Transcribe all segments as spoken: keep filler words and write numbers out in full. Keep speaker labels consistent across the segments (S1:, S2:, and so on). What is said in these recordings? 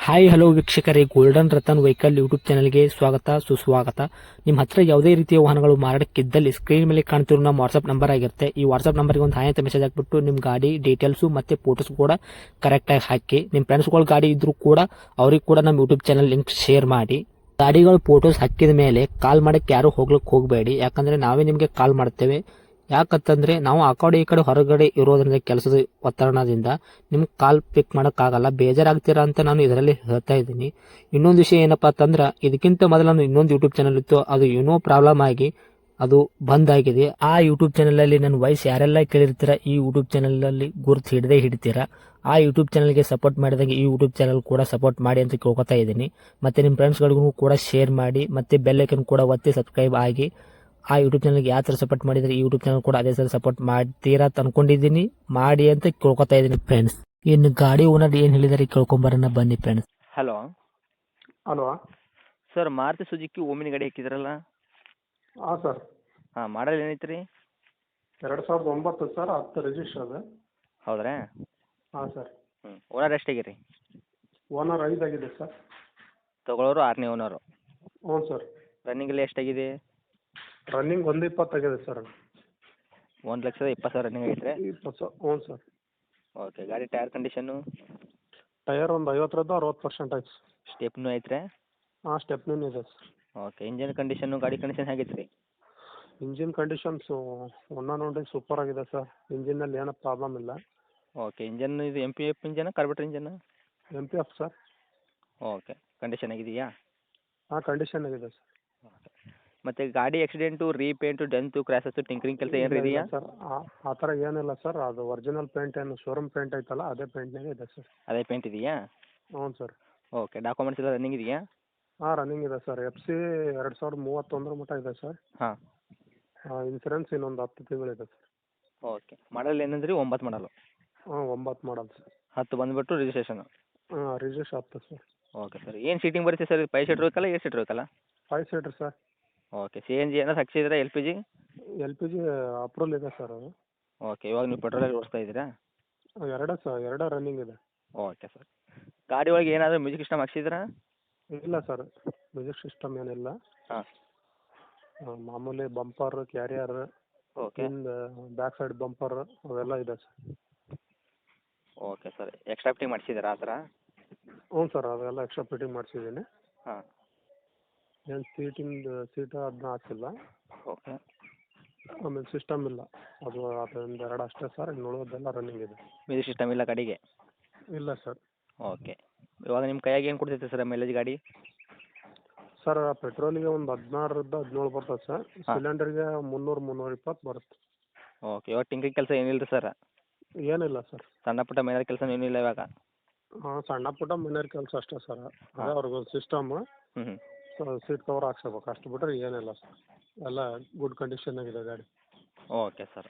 S1: Hi hello ವೀಕ್ಷಕರೇ, golden Ratan vehicle YouTube ಚಾನಲ್ಗೆ ಸ್ವಾಗತ ಸುಸ್ವಾಗತ. ನಿಮ್ಮ ಹತ್ರ ಯಾವುದೇ ರೀತಿಯ ವಾಹನಗಳು ಮಾರಾಟಕ್ಕಿದ್ದಲ್ಲಿ ಸ್ಕ್ರೀನ್ ಮೇಲೆ ಕಾಣ್ತಿರೋ ನಮ್ಮ ವಾಟ್ಸ್ಆಪ್ ನಂಬರ್ ಆಗಿರುತ್ತೆ. ಈ ವಾಟ್ಸ್ಆಪ್ ನಂಬರ್ಗೆ ಒಂದು ಹಾಯ್ ಅಂತ ಮೆಸೇಜ್ ಹಾಕ್ಬಿಟ್ಟು ನಿಮ್ಮ ಗಾಡಿ ಡೀಟೇಲ್ಸು ಮತ್ತೆ ಫೋಟೋಸ್ ಕೂಡ ಕರೆಕ್ಟಾಗಿ ಹಾಕಿ. ನಿಮ್ಮ ಫ್ರೆಂಡ್ಸ್ಗಳ ಗಾಡಿ ಇದ್ರೂ ಕೂಡ ಅವ್ರಿಗೆ ಕೂಡ ನಮ್ಮ ಯೂಟ್ಯೂಬ್ ಚಾನಲ್ ಲಿಂಕ್ ಶೇರ್ ಮಾಡಿ. ಗಾಡಿಗಳು ಫೋಟೋಸ್ ಹಾಕಿದ ಮೇಲೆ ಕಾಲ್ ಮಾಡಕ್ಕೆ ಯಾರು ಹೋಗ್ಲಿಕ್ಕೆ ಹೋಗಬೇಡಿ, ಯಾಕಂದ್ರೆ ನಾವೇ ನಿಮಗೆ ಕಾಲ್ ಮಾಡ್ತೇವೆ. ಯಾಕಂತಂದ್ರೆ ನಾವು ಆ ಕಡೆ ಈ ಕಡೆ ಹೊರಗಡೆ ಇರೋದ್ರಿಂದ ಕೆಲಸದ ಒತ್ತಡದಿಂದ ನಿಮ್ಗೆ ಕಾಲ್ ಪಿಕ್ ಮಾಡೋಕ್ಕಾಗಲ್ಲ, ಬೇಜಾರಾಗ್ತೀರಾ ಅಂತ ನಾನು ಇದರಲ್ಲಿ ಹೇಳ್ತಾ ಇದ್ದೀನಿ. ಇನ್ನೊಂದು ವಿಷಯ ಏನಪ್ಪಾ ಅಂತಂದ್ರೆ, ಇದಕ್ಕಿಂತ ಮೊದಲು ನಾನು ಇನ್ನೊಂದು ಯೂಟ್ಯೂಬ್ ಚಾನಲ್ ಇತ್ತು, ಅದು ಏನೋ ಪ್ರಾಬ್ಲಮ್ ಆಗಿ ಅದು ಬಂದ್ ಆಗಿದೆ. ಆ ಯೂಟ್ಯೂಬ್ ಚಾನಲ್ ಅಲ್ಲಿ ನನ್ನ ವಾಯ್ಸ್ ಯಾರೆಲ್ಲ ಕೇಳಿರ್ತೀರಾ, ಈ ಯೂಟ್ಯೂಬ್ ಚಾನಲ್ ಅಲ್ಲಿ ಗುರುತು ಹಿಡದೆ ಹಿಡಿತೀರಾ. ಆ ಯೂಟ್ಯೂಬ್ ಚಾನಲ್ಗೆ ಸಪೋರ್ಟ್ ಮಾಡಿದಾಗ ಈ ಯೂಟ್ಯೂಬ್ ಚಾನಲ್ ಕೂಡ ಸಪೋರ್ಟ್ ಮಾಡಿ ಅಂತ ಕೇಳ್ಕೊತಾ ಇದ್ದೀನಿ. ಮತ್ತೆ ನಿಮ್ಮ ಫ್ರೆಂಡ್ಸ್ಗಳಿಗೂ ಕೂಡ ಶೇರ್ ಮಾಡಿ, ಮತ್ತೆ ಬೆಲ್ ಐಕನ್ ಕೂಡ ಒತ್ತಿ ಸಬ್ಸ್ಕ್ರೈಬ್ ಆಗಿ. ಆ ಯೂಟ್ಯೂಬ್ ಚಾನಲ್ಗೆ ಯಾವ ಥರ ಸಪೋರ್ಟ್ ಮಾಡಿದ್ರೆ ಈ ಯೂಟ್ಯೂಬ್ ಚಾನಲ್ ಕೂಡ ಅದೇ ಥರ ಸಪೋರ್ಟ್ ಮಾಡ್ತೀರಾ ಅಂತ ಅನ್ಕೊಂಡಿದ್ದೀನಿ. ಮಾಡಿ ಅಂತ ಕೇಳ್ಕೊತಾ ಇದ್ದೀನಿ ಫ್ರೆಂಡ್ಸ್. ಇನ್ನು ಗಾಡಿ ಓನರ್ ಏನು ಹೇಳಿದಾರೆ ಕೇಳ್ಕೊಂಬರೋಣ ಬನ್ನಿ friends.
S2: Hello
S3: hello.
S2: Sir, Maruti Suzuki Omni ಗಾಡಿ ಹಾಕಿದ್ರಲ್ಲ?
S3: ಹಾಂ ಸರ್.
S2: ಹಾಂ, ಮಾಡಲ್ ಏನೈತೆ ರೀ?
S3: ಎರಡು ಸಾವಿರದ ಒಂಬತ್ತು ಸರ್, ಹತ್ತು ರಿಜಿಸ್ಟರ್ ಅದ.
S2: ಹೌದ್ರಾ?
S3: ಹಾಂ ಸರ್.
S2: ಹ್ಞೂ. ಓನರ್ ಎಷ್ಟಾಗಿರಿ?
S3: ಓನರ್ ಐದಾಗಿದೆ ಸರ್.
S2: ತೊಗೊಳೋರು ಆರನೇ ಓನರು.
S3: ಹ್ಞೂ ಸರ್.
S2: ರನ್ನಿಂಗ್ ಎಲ್ಲ ಎಷ್ಟಾಗಿದೆ?
S3: ರನ್ನಿಂಗ್ ಒಂದು ಇಪ್ಪತ್ತಾಗಿದೆ ಸರ್.
S2: ಒಂದು ಲಕ್ಷದ ಇಪ್ಪತ್ತು ಸಾವಿರ ರನ್ನಿಂಗ್ ಆಗೈತೆ ರೀ?
S3: ಇಪ್ಪತ್ತು ಸರ್. ಹ್ಞೂ ಸರ್.
S2: ಓಕೆ. ಗಾಡಿ ಟೈರ್ ಕಂಡೀಷನ್ನು?
S3: ಟೈರ್ ಒಂದು ಐವತ್ತರದ್ದು ಅರವತ್ತು ಪರ್ಸೆಂಟ್ ಐತೆ ಸರ್.
S2: ಸ್ಟೆಪ್ನು ಐತ್ರಿ?
S3: ಹಾಂ, ಸ್ಟೆಪ್ನೂ ಇದೆ ಸರ್.
S2: ಓಕೆ. ಇಂಜನ್ ಕಂಡೀಷನ್ನು, ಗಾಡಿ ಕಂಡೀಷನ್ ಹೇಗೈತೆ ರೀ?
S3: ಇಂಜಿನ್ ಕಂಡೀಷನ್ಸು ಒನ್ನ ನೋಡಿ ಸೂಪರ್ ಆಗಿದೆ ಸರ್. ಇಂಜಿನಲ್ಲಿ ಏನೂ ಪ್ರಾಬ್ಲಮ್ ಇಲ್ಲ.
S2: ಓಕೆ. ಇಂಜನ್ ಇದು M P F engine, carburettor engine?
S3: M P F sir.
S2: Okay. Condition ಆಗಿದೆಯಾ?
S3: ಹಾಂ, ಕಂಡೀಷನ್ ಆಗಿದೆ ಸರ್.
S2: ಓಕೆ. ಮತ್ತು ಗಾಡಿ accident, repaint, dent, crashes, tinkering ಕೆಲಸ ಏನಾರು ಇದೆಯಾ?
S3: ಸರ್ ಆ ಥರ ಏನಿಲ್ಲ ಸರ್. ಅದು ಒರಿಜಿನಲ್ ಪೇಂಟ್ ಏನು ಶೋರೂಮ್ ಪೇಂಟ್ ಐತಲ್ಲ, ಅದೇ ಪೇಂಟ್ನಾಗೆ ಇದೆ ಸರ್.
S2: ಅದೇ ಪೇಂಟ್ ಇದೆಯಾ?
S3: ಹ್ಞೂ ಸರ್.
S2: ಓಕೆ. ಡಾಕ್ಯುಮೆಂಟ್ಸ್ ಎಲ್ಲ ರನ್ನಿಂಗ್ ಇದೆಯಾ?
S3: ಹಾಂ, ರನ್ನಿಂಗ್ ಇದೆ ಸರ್. ಎಫ್ ಸಿ ಎರಡು ಸಾವಿರದ ಮೂವತ್ತೊಂದರ ಮಟ್ಟ ಇದೆ ಸರ್.
S2: ಹಾಂ.
S3: ಇನ್ಸೂರೆನ್ಸ್ ಇನ್ನೊಂದು ಹತ್ತು ತಿಂಗಳಿದೆ ಸರ್.
S2: ಓಕೆ. ಮಾಡಲ್ ಏನಂದ್ರಿ? ಒಂಬತ್ತು ಮಾಡಲು?
S3: ಹಾಂ, ಒಂಬತ್ತು ಮಾಡಲ್ ಸರ್.
S2: ಹತ್ತು ಬಂದುಬಿಟ್ಟು ರಿಜಿಸ್ಟ್ರೇಷನು?
S3: ಹಾಂ, ರಿಜಿಸ್ಟ್ರೇಷನ್ ಹತ್ತು ಸರ್.
S2: Okay sir. ಏನು ಸೀಟಿಂಗ್ ಬರುತ್ತೆ ಸರ್? ಫೈವ್ ಸೀಟ್ರ್ ಬೇಕಲ್ಲ, ಏಟ್ ಸೀಟ್ರ್ ಬೇಕಲ್ಲ?
S3: Five seater sir.
S2: Okay. C N G ಏನಾದ್ರು ಹಾಕ್ಸಿದ್ದೀರಾ? L P G?
S3: L P G approval ಇದೆ ಸರ್ ಅದು.
S2: ಓಕೆ. ಇವಾಗ ನೀವು ಪೆಟ್ರೋಲಲ್ಲಿ ಓಡಿಸ್ತಾ ಇದ್ದೀರಾ?
S3: ಎರಡೇ ಸರ್, ಎರಡೇ ರನ್ನಿಂಗ್ ಇದೆ.
S2: Okay sir. ಗಾಡಿ ಒಳಗೆ ಏನಾದರೂ ಮ್ಯೂಸಿಕ್ ಸಿಸ್ಟಮ್ ಹಾಕ್ಸಿದ್ದೀರಾ?
S3: ಇಲ್ಲ ಸರ್, ಮ್ಯೂಸಿಕ್ ಸಿಸ್ಟಮ್ ಏನಿಲ್ಲ.
S2: ಹಾಂ.
S3: ಮಾಮೂಲಿ ಬಂಪರ್, ಕ್ಯಾರಿಯರ್,
S2: ಓಕೆ.
S3: ಹಿಂದೆ ಬ್ಯಾಕ್ ಸೈಡ್ ಬಂಪರ್ ಅವೆಲ್ಲ ಇದೆ sir.
S2: Okay sir. Extra fitting ಮಾಡಿಸಿದ್ದೀರಾ ಆ ಥರ?
S3: ಹ್ಞೂ ಸರ್, ಅದೆಲ್ಲ ಎಕ್ಸ್ಟ್ರಾ ಫಿಟ್ಟಿಂಗ್ ಮಾಡಿಸಿದ್ದೀನಿ.
S2: ಹಾಂ.
S3: ಏನು ಸೀಟಿಂದು ಸೀಟ ಅದನ್ನ ಹಾಕಿಲ್ಲ.
S2: ಓಕೆ.
S3: ಆಮೇಲೆ ಸಿಸ್ಟಮ್ ಇಲ್ಲ, ಅದು ಅದೊಂದು ಎರಡು ಅಷ್ಟೇ ಸರ್. ಇನ್ನು ಉಳಿದೆಲ್ಲ ರನ್ನಿಂಗ್ ಇದೆ.
S2: ಮ್ಯೂಸಿಕ್ ಸಿಸ್ಟಮ್ ಇಲ್ಲ ಗಾಡಿಗೆ?
S3: ಇಲ್ಲ ಸರ್.
S2: ಓಕೆ. ಇವಾಗ ನಿಮ್ಮ ಕೈಯಾಗೆ ಏನು ಕೊಡ್ತೈತೆ ಸರ್ ಮೈಲೇಜ್ ಗಾಡಿ?
S3: ಸರ್, ಪೆಟ್ರೋಲಿಗೆ ಒಂದು ಹದಿನಾರರಿಂದ ಹದಿನೇಳು ಬರ್ತದೆ ಸರ್. ಸಿಲಿಂಡರ್ಗೆ ಮುನ್ನೂರು ಮುನ್ನೂರ ಇಪ್ಪತ್ತು ಬರುತ್ತೆ.
S2: ಓಕೆ. ಇವಾಗ ಟಿಂಕ್ರಿಂಗ್ ಕೆಲಸ ಏನಿಲ್ಲ ರೀ ಸರ್?
S3: ಏನಿಲ್ಲ ಸರ್.
S2: ಸಣ್ಣ ಪುಟ್ಟ ಮೈನರ್ ಕೆಲಸ ಏನಿಲ್ಲ ಇವಾಗ?
S3: ಹಾಂ, ಸಣ್ಣ ಪುಟ್ಟ ಮನೆಯವ್ರ ಕೆಲಸ ಅಷ್ಟೇ ಸರ್. ಅದೇ ಅವ್ರಿಗೊಂದು ಸಿಸ್ಟಮ್,
S2: ಹ್ಞೂ ಹ್ಞೂ.
S3: ಸೀಟ್ ಕವರ್ ಹಾಕ್ಸ್ಬೇಕು, ಅಷ್ಟು ಬಿಟ್ಟರೆ ಏನಿಲ್ಲ ಸರ್. ಎಲ್ಲ ಗುಡ್ ಕಂಡೀಷನ್ನಾಗಿದೆ ಗಾಡಿ.
S2: Okay sir.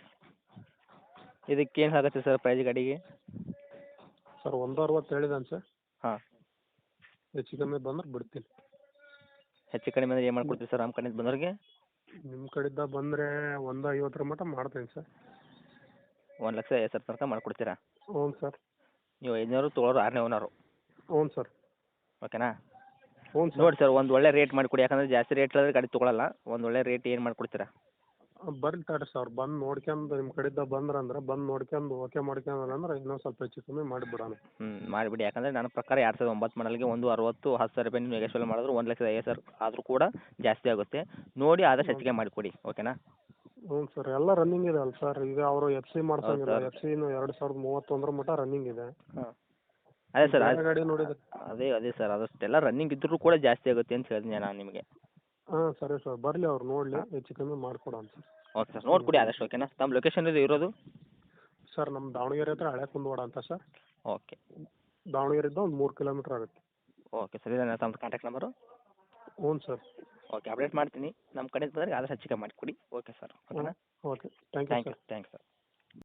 S2: ಇದಕ್ಕೇನು ಆಗುತ್ತೆ ಸರ್ ಪ್ರೈಸ್ ಗಾಡಿಗೆ?
S3: ಸರ್, ಒಂದು ಅರವತ್ತು ಹೇಳಿದಾನೆ ಸರ್.
S2: ಹಾಂ.
S3: ಹೆಚ್ಚು ಕಮ್ಮಿ ಬಂದ್ರೆ ಬಿಡ್ತೀನಿ.
S2: ಹೆಚ್ಚು ಕಡಿಮೆ ಅಂದರೆ ಏನು ಮಾಡ್ಕೊಡ್ತೀವಿ ಸರ್ ನಮ್ಮ ಕಡೆಯಿಂದ ಬಂದವ್ರಿಗೆ?
S3: ನಿಮ್ಮ ಕಡೆಯಿಂದ ಬಂದರೆ ಒಂದು ಐವತ್ತರ ಮಟ್ಟ ಮಾಡ್ತೀನಿ ಸರ್.
S2: ಒಂದು ಲಕ್ಷ ಐವತ್ತು ಸಾವಿರ ತನಕ ಮಾಡ್ಕೊಡ್ತೀರಾ?
S3: ಹ್ಞೂ ಸರ್.
S2: ನೀವು ಐದುನೂರು ತೊಗೊಳೋರು ಆರನೇ ಓನರು?
S3: ಹ್ಞೂ ಸರ್.
S2: ಓಕೆನಾ?
S3: ಹ್ಞೂ ಸರ್.
S2: ನೋಡಿ ಸರ್, ಒಂದು ಒಳ್ಳೆ ರೇಟ್ ಮಾಡಿಕೊಡಿ. ಯಾಕಂದರೆ ಜಾಸ್ತಿ ರೇಟ್ ಹೇಳಿದ್ರೆ ಗಾಡಿ ತೊಗೊಳಲ್ಲ. ಒಂದು ಒಳ್ಳೆ ರೇಟ್ ಏನು ಮಾಡ್ಕೊಡ್ತೀರಾ?
S3: ಬರ್ರಿ ತಡ್ರಿ ಸರ್, ಬಂದು ನೋಡ್ಕೊಂಡು ನಿಮ್ಮ ಕಡೆಯಿಂದ ಬಂದ್ರೆ ಅಂದ್ರೆ ಬಂದು ನೋಡ್ಕೊಂಡು ಓಕೆ ಮಾಡ್ಕೊಂಡ್ರೆ ಅಂದ್ರೆ ಇನ್ನೊಂದು ಸ್ವಲ್ಪ ಹೆಚ್ಚು ಕಮ್ಮಿ ಮಾಡಿಬಿಡೋಣ.
S2: ಹ್ಞೂ, ಮಾಡಿಬಿಡಿ. ಯಾಕಂದರೆ ನನ್ನ ಪ್ರಕಾರ ಎರಡು ಸಾವಿರದ ಒಂಬತ್ತು ಮಾಡಲ್ಗೆ ಒಂದು ಅರವತ್ತು ಹತ್ತು ಸಾವಿರ ರೂಪಾಯಿ ನೀವು ನೆಗೋಷಿಯೇಟ್ ಮಾಡಿದ್ರು ಒಂದು ಲಕ್ಷದ ಐವತ್ತು ಸಾವಿರ ಆದರೂ ಕೂಡ ಜಾಸ್ತಿ ಆಗುತ್ತೆ. ನೋಡಿ ಆದಷ್ಟು ಹೆಚ್ಚಿಗೆ ಮಾಡಿಕೊಡಿ. ಓಕೆನಾ?
S3: ಹ್ಞೂ ಸರ್, ಎಲ್ಲ ರನ್ನಿಂಗ್ ಇದೆ ಅಲ್ಲ ಸರ್. ಈಗ ಅವರು ಎಫ್ ಸಿ ಮಾಡ್ಸಂಗಿಲ್ಲ.
S2: ಹೌದು ಸರ್.
S3: ಎಫ್ ಸಿನು ಎರಡು ಸಾವಿರದ ಮೂವತ್ತೊಂದರ ಮಟ್ಟ ರನ್ನಿಂಗ್ ಇದೆ.
S2: ಹಾಂ. ಅದೇ ಸರ್,
S3: ಬೇರೆ ಗಾಡಿ ನೋಡಿದ್ರೆ.
S2: ಅದೇ ಅದೇ ಸರ್, ಅದಷ್ಟೆಲ್ಲ ರನ್ನಿಂಗ್ ಇದ್ದರೂ ಕೂಡ ಜಾಸ್ತಿ ಆಗುತ್ತೆ ಅಂತ ಹೇಳಿದ್ನಿ ನಾನು ನಿಮಗೆ.
S3: ಹಾಂ, ಸರಿ ಸರ್, ಬರಲಿ ಅವ್ರು ನೋಡಲಿ, ಹೆಚ್ಚು ಕಮ್ಮಿ ಮಾಡಿಕೊಡೋಣ ಸರ್.
S2: ಓಕೆ ಸರ್, ನೋಡಿಕೊಡಿ ಆದಷ್ಟು. ಓಕೆನಾ? ತಮ್ಮ ಲೊಕೇಶನ್ ಇದು ಇರೋದು?
S3: ಸರ್, ನಮ್ಮ ದಾವಣಗೆರೆ ಹತ್ರ ಹಳೆ ಕುಂದವಾಡ ಅಂತ ಸರ್.
S2: ಓಕೆ.
S3: ದಾವಣಗೆರೆಯಿಂದ ಒಂದು ಮೂರು ಕಿಲೋಮೀಟ್ರ್ ಆಗುತ್ತೆ.
S2: ಓಕೆ ಸರ್, ಇದೇನಾ ತಮ್ಮ ಕಾಂಟ್ಯಾಕ್ಟ್ ನಂಬರು?
S3: ಹ್ಞೂ ಸರ್.
S2: ಓಕೆ, ಅಪ್ಡೇಟ್ ಮಾಡ್ತೀನಿ. ನಮ್ಮ ಕಡೆಯಿಂದ ಬಂದರೆ ಆದಷ್ಟು ಹೆಚ್ಚಿಗೆ ಮಾಡಿಕೊಡಿ. Okay sir. ಓಕೆನಾ?
S3: Okay, thank you
S2: thank you
S3: sir.
S2: Thanks sir.